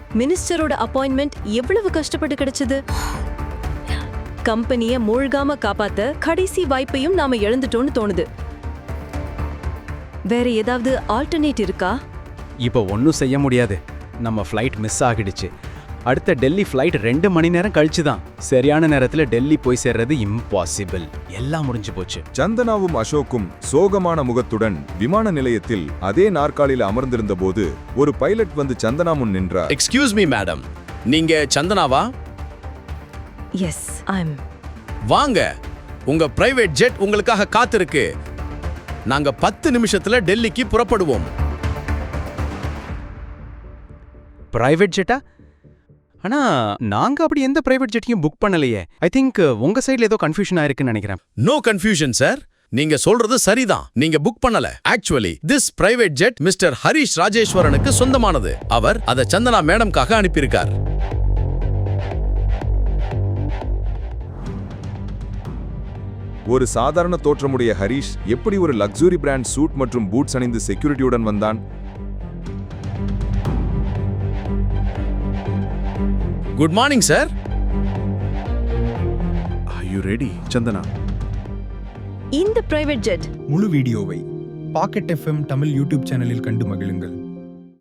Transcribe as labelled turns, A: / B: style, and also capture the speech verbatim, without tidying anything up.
A: மினிஸ்டரோட appointment எவ்வளவு கஷ்டப்பட்டு கிடைச்சது. கம்பெனிய மூழ்காம காப்பாத்த கடைசி வாய்ப்பையும் நாம இழந்துட்டோம்னு தோணுது. வேற ஏதாவது ஆல்டர்னேட் இருக்கா?
B: இப்போ ஒன்றும் செய்ய முடியாது. நம்ம ஃப்ளைட் மிஸ் ஆகிடுச்சு. அடுத்த டெல்லி ஃப்ளைட் ரெண்டு மணி நேரம் கழிச்சு தான். சரியான நேரத்துல டெல்லி போய் சேர்றது இம்பாசிபிள். எல்லாம் முடிஞ்சு போச்சு.
C: சந்தனாவும் அசோக்கும் சோகமான முகத்துடன் விமான நிலையத்தில் அதே நாற்காலியில் அமர்ந்திருந்த போது ஒரு பைலட் வந்து சந்தனா முன் நின்றார்.
D: எக்ஸ்கியூஸ் மீ மேடம், நீங்க சந்தனாவா?
A: எஸ், ஐ அம்.
D: வாங்க, உங்க பிரைவேட் ஜெட் உங்களுக்காக காத்திருக்கு. நாங்க பத்து நிமிஷத்துல டெல்லிக்கு புறப்படுவோம்.
B: Private Jeddah? ஆனா நாங்க அப்படி எந்த பிரைவேட் ஜெட்டையும் புக் பண்ணலையே. ஐ திங்க் உங்க சைடுல ஏதோ கன்ஃபியூஷன் ஆயிருக்குன்னு நினைக்கிறேன்.
D: நோ கன்ஃபியூஷன் சார், நீங்க சொல்றது சரிதான். நீங்க புக் பண்ணல. Actually this private jet mister Harish ராஜேஸ்வரனுக்கு சொந்தமானது. அவர் அதை சந்தனா மேடம்காக அனுப்பியிருக்கார்.
C: ஒரு சாதாரண தோற்றமுடைய ஹரிஷ் எப்படி ஒரு லக்ஸுரி பிராண்ட் சூட் மற்றும் பூட்ஸ் அணிந்து செக்யூரிட்டியுடன் வந்தான்?
D: Good morning sir.
E: Are you ready, Santhana?
A: இந்த பிரைவேட் ஜெட்
F: முழு வீடியோவை பாக்கெட் எஃப்எம் தமிழ் யூடியூப் சேனலில் கண்டு மகிழுங்கள்.